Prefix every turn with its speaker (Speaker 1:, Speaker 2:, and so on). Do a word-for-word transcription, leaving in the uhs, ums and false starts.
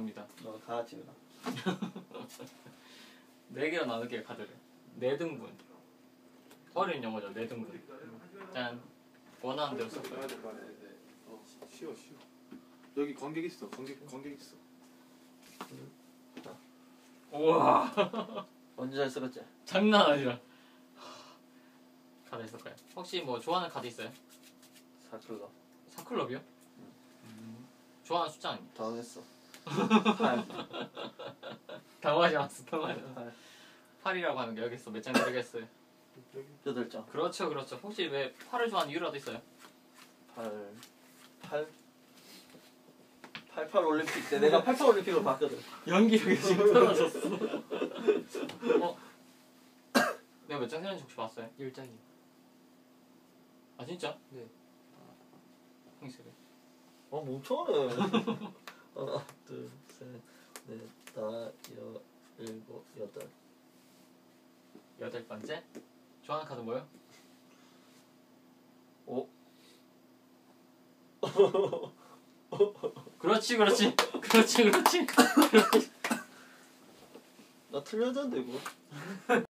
Speaker 1: 합니다.
Speaker 2: 너 다 찍어라.
Speaker 1: 네 개로 나눌게요 카드를. 네 등분. 어려운 영어죠. 네 등분. 짠. 원하는 대로 썼어요.
Speaker 3: 어, 쉬워 쉬워. 여기 관객 있어. 관객 관객 있어.
Speaker 1: 우와.
Speaker 2: 언제 잘 쓰겠지?
Speaker 1: 장난 아니라. 카드 있을까요? 혹시 뭐 좋아하는 카드 있어요?
Speaker 2: 사클럽.
Speaker 1: 사클럽이요? 음. 좋아하는 숫자 아닙니까?
Speaker 2: 당황했어. 팔.
Speaker 1: 당황하지 마세요. 당황하지 마세요.
Speaker 2: 팔.
Speaker 1: 팔이라고 하는 게 여기 있어. 몇 장 드리겠어요?
Speaker 2: 여덟 장.
Speaker 1: 그렇죠, 그렇죠. 혹시 왜 팔을 좋아하는 이유라도 있어요?
Speaker 2: 팔. 팔. 팔팔 올림픽 때 내가 팔팔 올림픽으로 봤거든.
Speaker 1: 연기력이 지금 떨어졌어. 어? 내가 몇 장 세는지 혹시 봤어요?
Speaker 4: 열 장이요.
Speaker 1: 아 진짜?
Speaker 4: 네.
Speaker 1: 형세래.
Speaker 2: 어 멍청하네. 하나, 둘, 셋, 넷, 다, 여, 일곱, 여덟.
Speaker 1: 여덟 번째. 좋아하는 카드 뭐요?
Speaker 2: 오.
Speaker 1: 그렇지, 그렇지, 그렇지, 그렇지.
Speaker 2: 나 틀려졌는데 이거.